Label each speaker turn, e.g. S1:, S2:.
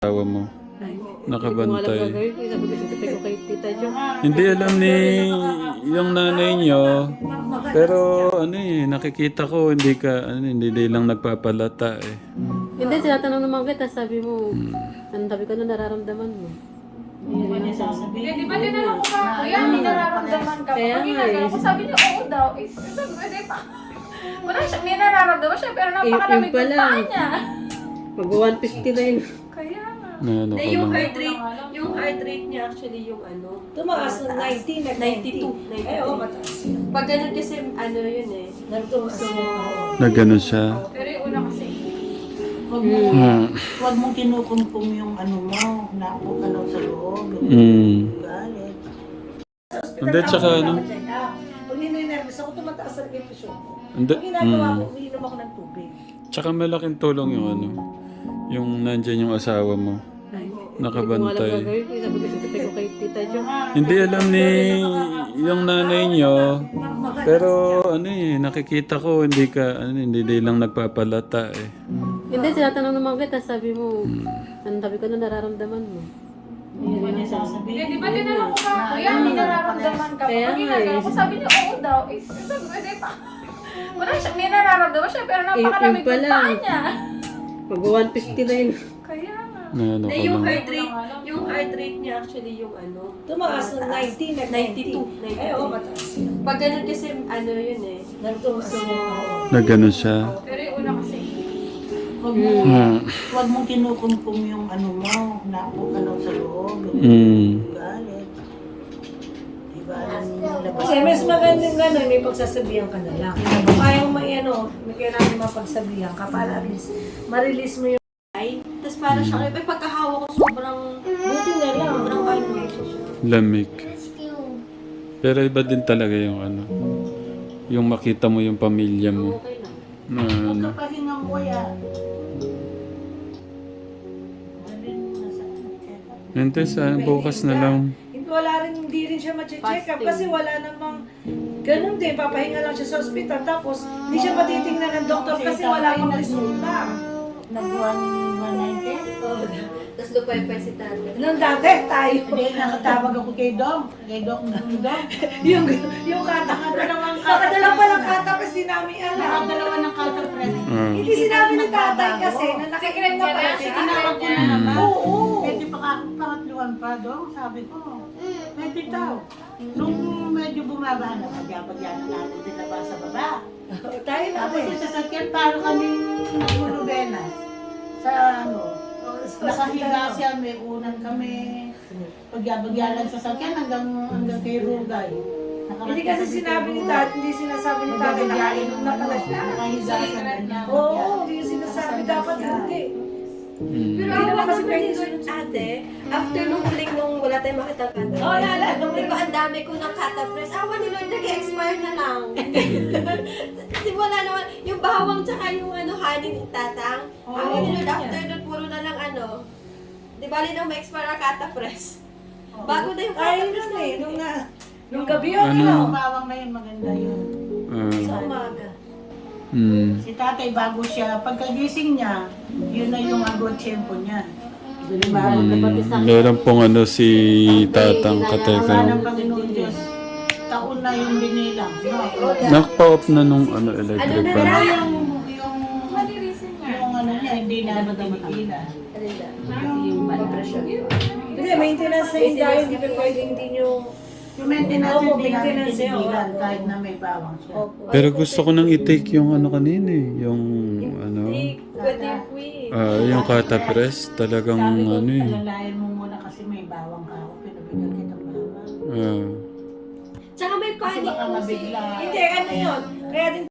S1: Asawa mo, nakabantay.
S2: Sabi ko kay Tita Jo.
S1: Hindi alam ni yung nanay niyo, pero ano nakikita ko hindi lang nagpapalata eh.
S2: Hindi, tinatanong naman kita, sabi mo, sabi ko na nararamdaman mo.
S3: Di ba tinanong ko nga, kuya, may nararamdaman ka ba? Pag ginagawa ko, sabi niya, oo daw. Sabi ko, di pa. Wala siya, may nararamdaman siya, pero napakalamig ng paa niya.
S2: Mag-150 na yun.
S3: Kaya nga.
S1: Ano
S4: Hindi,
S1: ko
S4: yung
S1: lang.
S4: heart rate niya actually yung ano.
S5: Tumaas ng 90, nag-92.
S4: 92.
S5: Eh, oo, mataas yun.
S4: Pag ganun kasi ano yun eh.
S5: Nagtumaas yun.
S1: Na ganun siya.
S3: Pero yung una kasi,
S5: Huwag mong kinukumpong yung ano mo, napo ka lang sa loob. Galit.
S1: Hindi, tsaka ano?
S5: Pag nininervous ako, tumataas ang emosyon ko.
S1: Hindi,
S5: Ang ginagawa ko, umiinom ako ng tubig.
S1: Tsaka malaking tulong yung nandyan yung asawa mo. Nakabantay.
S2: Sabi ko kay Tita Jo.
S1: Hindi alam ni yung nanay niyo, pero nakikita ko hindi lang nagpapalata eh.
S2: Hindi, tinatanong naman kita, sabi mo, sabi ko na nararamdaman mo.
S3: di ba tinanong ko nga, kuya, may nararamdaman ka ba?
S2: Kaya
S3: Pag
S2: nga
S3: ginagawa ko, sabi niya, oo daw. Sabi ko, di pa. Wala siya, may nararamdaman siya, pero napakalamig ng paa niya.
S2: Mag-150 na yun.
S3: Kaya nga.
S1: Ano ko
S4: Hindi, yung
S1: lang.
S4: heart rate niya actually yung ano.
S5: Tumaas ng 90, nag-92.
S4: 92.
S5: Eh, oo, mataas yun.
S4: Pag ganun kasi ano yun eh.
S5: Nagtumaas yun.
S1: Na ganun siya.
S3: Pero yung una kasi,
S5: Huwag mong kinukumpong yung ano mo, napo ka lang sa loob. Galit. Diba? Kasi mas magandang gano'n, may pagsasabihan ka na lang. Kung ayaw may kailangan mapagsabihan ka para at least ma-release mo yung
S4: Tapos parang siya, may pagkahawa ko sobrang
S5: buti na lang.
S4: sobrang ano.
S1: Lamig. Pero iba din talaga yung makita mo yung pamilya mo.
S2: Okay lang.
S1: Na ano.
S5: Kapahinga mo yan.
S1: Hindi, bukas na lang.
S5: Hindi rin siya ma-check up kasi wala namang ganun din, papahinga lang siya sa ospital tapos hindi siya matitingnan ng doktor kasi wala pang resulta.
S4: Tapos lupay-pay si tatay.
S5: Nung dati tayo,
S6: Hindi, nakatawag ako kay Dong. Kay Doc.
S5: yung nakadala pa lang kata kasi namin alam.
S6: Nakadalawa ng counter press.
S5: Hindi sinabi ni tatay kasi na
S3: secret niya na,
S6: Tinawag ko na naman.
S5: Oo.
S6: Pwede pa ako pangatluan pa, Dong. Sabi ko. Pwede daw. Nung medyo bumaba na, pag-yapag-yana natin sila ba sa baba.
S5: Tayo na
S6: Tapos yung sasakyan, parang kaming nagulubena. Sa nakahiga siya, may unan kami. Pagyabagyalan sa sasakyan hanggang kay Rugay.
S5: Hindi kasi sinabi ni tatay, hindi sinasabi ni tatay na nakainom na pala siya.
S6: Nakahiga siya ganyan.
S5: Oo, hindi yung sinasabi dapat hindi.
S4: Pero
S5: Hindi
S4: ako
S5: naman kasi
S4: kasi
S5: pwede
S4: doon ate, after nung huling nung wala tayong makitang kata.
S5: Oo, naalala mo
S4: Di ba ang dami ko ng kata press? Awa ni Lord, nag-expire na lang. Kasi wala naman, yung bawang tsaka yung honey ni tatang. Awa ni Lord, after nun, puro na lang di ba rin ma-expire ang kata press? Bago na yung kata
S5: Tayo
S4: press
S5: nun eh,
S4: na.
S5: nung gabi yun,
S6: Yung bawang na yun, maganda yun.
S5: sa umaga.
S6: Si tatay bago siya, pagkagising niya, yun na yung agod tiyempo niya.
S1: Meron pong si Tatang
S6: Wala
S1: Katekram.
S6: ng Panginoon Diyos. Taon na yung binilang. No?
S1: Nakpa-off na nung electric
S4: Ano na
S1: fan.
S4: lang?
S6: Yung
S3: malirisin niya.
S6: yung ano niya, hindi na tinigilan.
S5: Hindi, maintenance na yun dahil hindi pa pwede hindi nyo...
S6: Yung maintenance
S5: Opo,
S6: hindi namin
S5: maintenance yun.
S6: tinigilan kahit na may bawang siya.
S1: Pero gusto ko nang i-take yung kanina yung
S4: Pwede yung
S1: yung kata press. Talagang
S6: Sabi ko,
S1: eh.
S6: alalayan mo muna kasi may bawang ka ako, pinabigyan kitang bawang.
S1: Ah.
S4: Tsaka may
S6: Kasi
S4: panic
S6: baka
S4: po
S6: mabigla.
S5: Hindi, ano yun? Kaya din